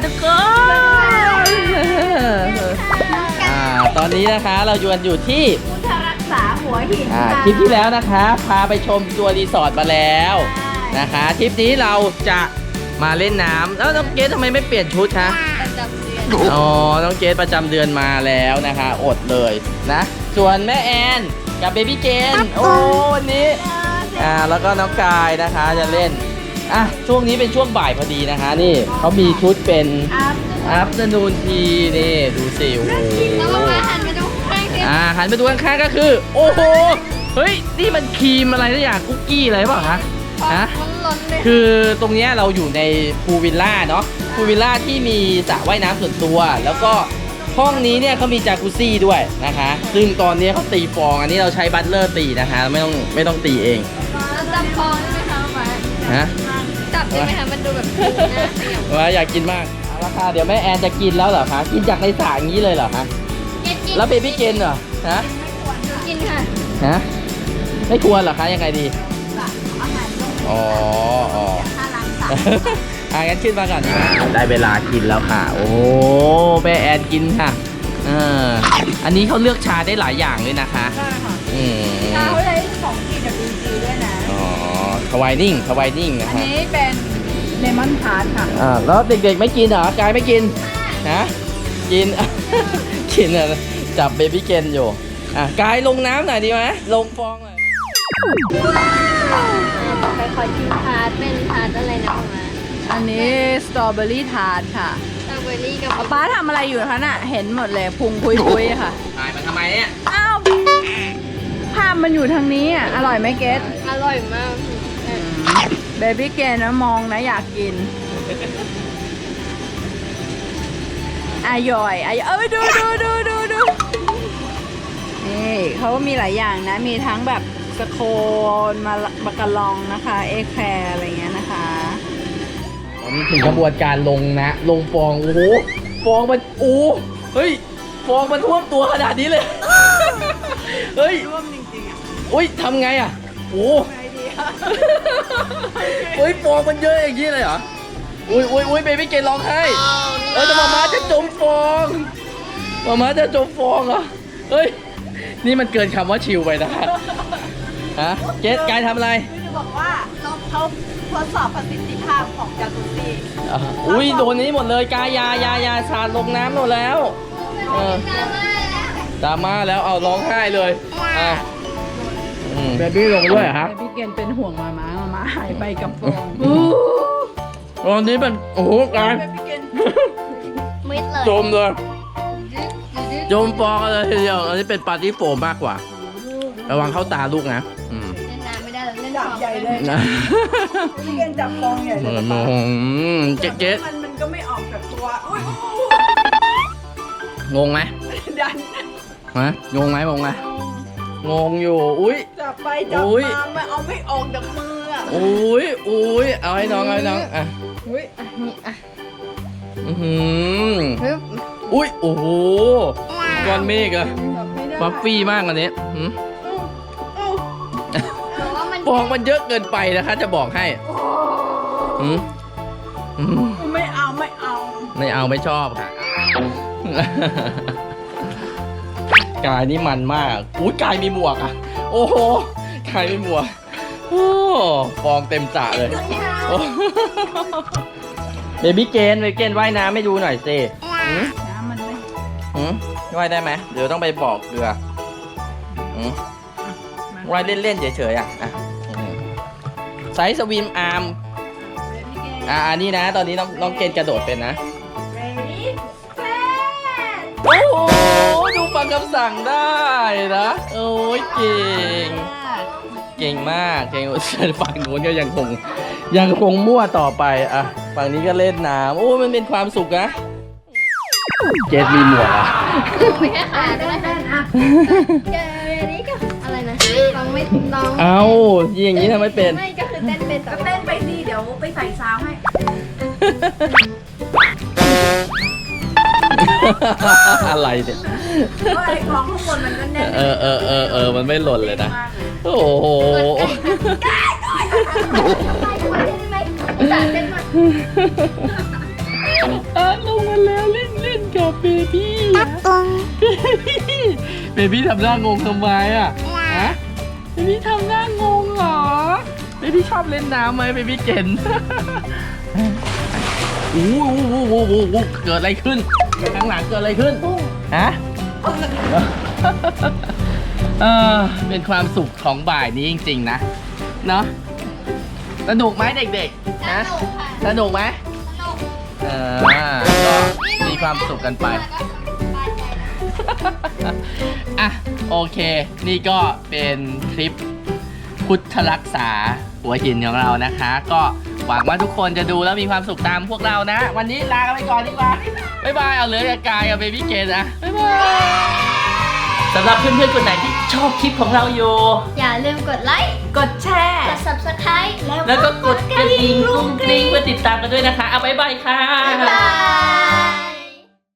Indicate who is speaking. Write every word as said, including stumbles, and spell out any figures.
Speaker 1: ทุกคนอ่าตอนนี้นะคะเราอยู่กันอยู่ที่
Speaker 2: พุทธรักษาหัวหิน
Speaker 1: อ่า
Speaker 2: ค่ะ
Speaker 1: ทริปที่แล้วนะคะพาไปชมตัวรีสอร์ทมาแล้วนะคะทริปนี้เราจะมาเล่นน้ำแล้วน้องเกดทำไมไม่เปลี่ยนชุดคะ
Speaker 2: ประจำเดือน
Speaker 1: อ๋อน้องเกดประจำเดือนมาแล้วนะคะอดเลยนะส่วนแม่แอนกับเบบี้เกนโอ้วันนี้อ่าแล้วก็น้องกายนะคะจะเล่นอ่ะช่วงนี้เป็นช่วงบ่ายพอดีนะคะนี่เขามีชุดเป็น
Speaker 2: อัพ
Speaker 1: อัพเดนูนทีนี่ดูสิโอ้โห
Speaker 2: แล้วก็มาหันมาดูข้างๆ
Speaker 1: อ่าหันไปดูข้างๆก็คือโอ้โหเฮ้ยนี่มันครีมอะไรสักอย่างคุกกี้อะไรเปล่าคะฮะ
Speaker 2: มันล้นเลย
Speaker 1: คือตรงเนี้ยเราอยู่ในพูลวิลล่าเนาะพูลวิลล่าที่มีสระว่ายน้ำส่วนตัว แล้วก็ห้องนี้เนี่ยเขามีจากุซซี่ด้วยนะคะ ซึ่งตอนนี้เขาตีฟองอันนี้เราใช้บัตเลอร์ตีนะคะไม่ต้องไม่ต้องตีเอง
Speaker 2: แล้วจับคอได้ไหมคะมา
Speaker 1: ฮะ
Speaker 2: จับได้ไหมคะมันดูแบบน่าเสียว
Speaker 1: ว่าอยากกินมากเอาละค่ะเดี๋ยวแม่แอนจะกินแล้วเหรอคะกินจากในสระอย่างนี้เลยเหรอคะ
Speaker 2: กิน
Speaker 1: แล้วเบบี้เกนเหรอฮะ
Speaker 2: กินค่ะ
Speaker 1: ฮะไม่ควรเหรอคะยังไงดี
Speaker 2: อาหารลง
Speaker 1: อ๋ออ๋อ
Speaker 2: ถ้าล้างสระ
Speaker 1: อ่ะงั้นขึ้นมาก่อนได้เวลากินแล้วค่ะ โอ้แม่แอนกินค่ะเอออันนี้เขาเลือกชาได้หลายอย่างเลยนะคะ
Speaker 2: ใช่ค่ะ
Speaker 1: อืม
Speaker 2: เขาใช้ของกินกับดีจีด้วยนะ
Speaker 1: อ๋อทวายนิ่งทวายนิ่งนะ
Speaker 2: อัน
Speaker 1: คะ
Speaker 2: นี้เป็นเลมอนทาร์ตค่ะ
Speaker 1: อ่าแล้วเด็กๆไม่กินเหรอกายไม่กินนะกิน กินอ่ะจับเบบี้เกนอยู่อ่ะกายลงน้ำหน่อยดีไหมลงฟองหน่อย
Speaker 2: ไปขอชิมทาร์ตเป็นทาร์ตอะไรนะมา
Speaker 3: อันนี้สตรอเบอรี่ทาร์ตค่ะ
Speaker 2: สตรอเบอรี่กับ
Speaker 3: ป้าทำอะไรอยู่คะน่ะ เห็นหมดเลยพุงคุยคุยๆค่ะ
Speaker 1: กายมันทำไมเนี่ย
Speaker 3: อ้าวภาพมันอยู่ทางนี้อ่ะ อร่อยไหมเกส
Speaker 2: อร่อยมาก
Speaker 3: เบบี้เกนนะมองนะอยากกินอร่อยอร่อยเอ้ยดูดูดูดูดูนี่เขาก็มีหลายอย่างนะ มีทั้งแบบสโคนมาบากาลองนะคะ เอแคร์อะไรเงี้ยนะคะ
Speaker 1: ตอนนี้ถึงกระบวนการลงนะ ลงฟองโอ้โหฟองมันโอ้เฮ้ยฟองมันท่วมตัวขนาดนี้เลย เฮ้ย
Speaker 3: ร่วมจริงๆอ่ะ
Speaker 1: อุ้ยทำไงอ่ะโอ้
Speaker 3: ไอเดีย
Speaker 1: เฮ้ยฟองมันเยอะอย่างนี้เลยเหรออุ้ยอุ้ยอุ้ยเบบี้เกนร้องไห้เออแต่มาม่าจะจมฟองมาม่าจะจมฟองเหรอเฮ้ยนี่มันเกินคำว่าชิลไปนะคะฮะเกสกายทำอะไร
Speaker 3: คือจะบอกว่าเราเขาทดสอบประสิทธิภาพของจากุซซี่
Speaker 1: อ่ะอุ้ยโดนนี้หมดเลยกายยายายาสาดลงน้ำหมดแล้วเออดราม่าแล้วเอาร้องไห้เลยอ่ะเบบี้ลงด้วยเหรอครับ
Speaker 3: แต่พี่เกณฑ์เป็นห่วงมาม้ามาม้าหายไปกับฟอง
Speaker 1: ตอนนี้มันโอ้โหกาย
Speaker 3: พี่เกณฑ์
Speaker 2: มิดเลย
Speaker 1: จมเลยจมฟองเลยทีเดียวอันนี้เป็นปาร์ตี้โฟมมากกว่า ระวังเข้าตาลูกนะอืม
Speaker 2: เล่นน้ำไม่ได้แล้วเล่น
Speaker 3: จับใหญ่เลย
Speaker 1: นะ
Speaker 3: พี่เกณฑ์จับฟองใหญ่
Speaker 1: เห
Speaker 3: เล
Speaker 1: มือย นมองเจ๊เจ๊
Speaker 3: มันมันก็ไม่ออกจากตัวอุ้ย
Speaker 1: งงไหม
Speaker 3: ดัน
Speaker 1: ฮะงงไหมงงไหมงงอยู่อุ้ย
Speaker 3: จับไปจับ
Speaker 1: อุ๊ย
Speaker 3: มาไม่เอาไม่ออกจากมืออ่ะ
Speaker 1: อุ้ยอุ้ยเอาให้น้องเอาให้น้องอ่ะ
Speaker 3: อุ้ย
Speaker 2: อ่ะนี่อ่ะ
Speaker 1: อือหือ
Speaker 2: ปึ๊บ
Speaker 1: อุ้ยโอ้โหก้อนเมฆอะ
Speaker 3: จับไม่ได้
Speaker 1: ฟัฟฟี่มากอันนี้หืม
Speaker 3: อู้อู้
Speaker 2: แต่ว่ามัน
Speaker 1: ฟองมันเยอะเกินไปนะคะจะบอกให้หืมหืม
Speaker 3: ไม่เอาไม่เอา
Speaker 1: ไม่เอาไม่ชอบค่ะ กายนี่มันมากอุ้ยกายมีหมวกอ่ะ โอ้โหกายมีหมวกโอ้ฟองเต็มสระเลยโอ้เบบี้เกนเบบี้เกนว่ายน้ำไม่ดูหน่อยสิหืม
Speaker 3: น้ำมันไม่
Speaker 1: หืมว่ายได้ไหมเดี๋ยวต้องไปบอกเกลือหืมว่ายเล่นๆเฉยๆอ่ะอ่ะอืมไซส์สวิมอาร์มอ่ะอันนี้นะ ตอนนี้น้องน้องเกนกระโดดเป็นนะ โอ้โหดูฟังคำสั่งได้นะโอ้ยเก่ง เก่งมากเก่งฝั่งนู้นก็ยังคงยังคงมั่วต่อไปอ่ะฝั่งนี้ก็เล่นน้ำโอ้มันเป็นความสุขนะเจสมีหมวกอ่ะ
Speaker 2: ไม่แค่ขาก็ได้อ่ะเจออันนี้ก็อะไรนะลองไม่ลอง
Speaker 1: เอาอย่างนี้ทำไมเป็น
Speaker 2: ไม่ก็คือเต้นเป็นแต่
Speaker 3: ก็เต้นไปสิเดี๋ยวไปใส่ซาวให้
Speaker 1: อะไรเนี่ย
Speaker 3: เพราะไอ้ของข้างบนมันก็แน่น
Speaker 1: เออเออเออเออมันไม่หล่นเลยนะ
Speaker 3: มากเลย
Speaker 1: โอ้โห
Speaker 2: ไปด้วยได้ไหมสาเต้นมา
Speaker 1: เอ้ลงมาแล้วเล่นเล่นกับเบบี้อะเบบี้ทำหน้างงทำไมอ่ะฮะเบบี้ทำหน้างงเหรอเบบี้ชอบเล่นน้ำไหมเบบี้เก่นโอ้โหโอ้โหโอ้โหเกิดอะไรขึ้นข้างหลังเกิดอะไรขึ้นฮะเออเป็นความสุขของบ่ายนี้จริงๆนะเนาะสนุกไหมเด็กๆนะสนุกไหมเออก็มีความสุขกันไปอ่ะโอเคนี่ก็เป็นคลิปพุทธรักษาหัวหินของเรานะคะ ก็หวังว่าทุกคนจะดูแล้วมีความสุขตามพวกเรานะ วันนี้ลากันไปก่อนดีกว่าบ๊ายบายเอาเลยกับกายกับเบบี้เกนนะบ๊ายบายสำหรับเพื่อนๆคนไหนที่ชอบคลิปของเราอยู่
Speaker 2: อย่าลืมกดไลค์
Speaker 3: กดแชร์
Speaker 2: กด ซับสไครบ์
Speaker 1: แล้วก็กดกระดิ่งกรุ้งกริ้งเพื่อติดตามกันด้วยนะคะเอาบ๊ายบายค่ะ
Speaker 2: บ๊ายบาย